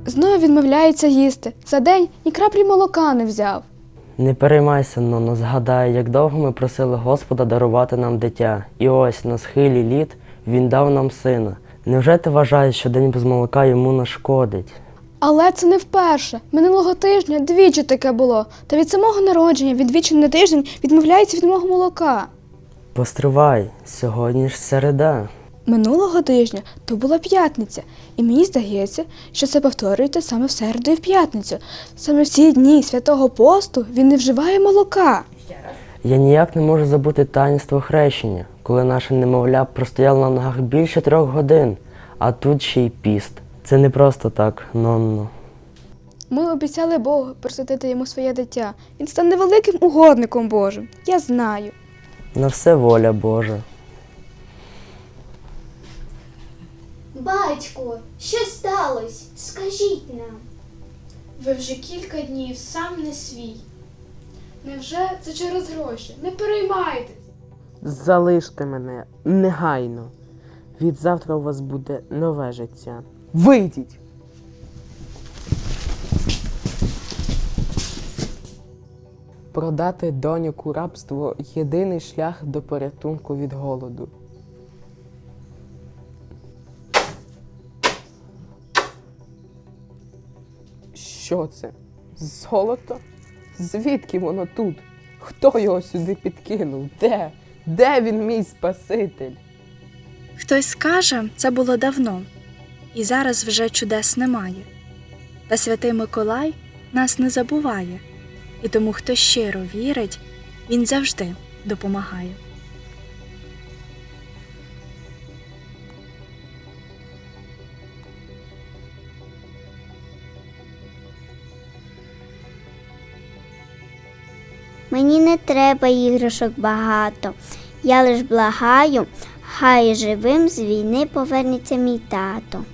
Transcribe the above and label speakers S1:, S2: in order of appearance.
S1: Знову відмовляється їсти. За день ні краплі молока не взяв.
S2: Не переймайся, Ноно, згадай, як довго ми просили Господа дарувати нам дитя. І ось, на схилі літ, Він дав нам сина. Невже ти вважаєш, що день без молока йому нашкодить?
S1: Але це не вперше. Минулого тижня двічі таке було. Та від самого народження він двічі на тиждень відмовляється від мого молока.
S2: Постривай, сьогодні ж середа.
S1: Минулого тижня то була п'ятниця. І мені здається, що це повторюється саме в середу і в п'ятницю. Саме в ці дні Святого Посту він не вживає молока.
S2: Я ніяк не можу забути таїнство хрещення, коли наше немовля простояло на ногах більше 3 годин, а тут ще й піст. Це не просто так, Нонно.
S1: Ми обіцяли Богу присвятити йому своє дитя. Він стане великим угодником Божим. Я знаю.
S2: На все воля Божа.
S3: Батько, що сталося? Скажіть нам.
S1: Ви вже кілька днів сам не свій. Невже це через гроші? Не переймайтесь.
S4: Залиште мене негайно. Від завтра у вас буде нове життя. Вийдіть! Продати доньок у рабство – єдиний шлях до порятунку від голоду. Що це? Золото? Звідки воно тут? Хто його сюди підкинув? Де? Де він, мій Спаситель?
S5: Хтось скаже, це було давно, і зараз вже чудес немає. Та святий Миколай нас не забуває, і тому, хто щиро вірить, він завжди допомагає.
S3: Мені не треба іграшок багато. Я лиш благаю, хай живим з війни повернеться мій тато.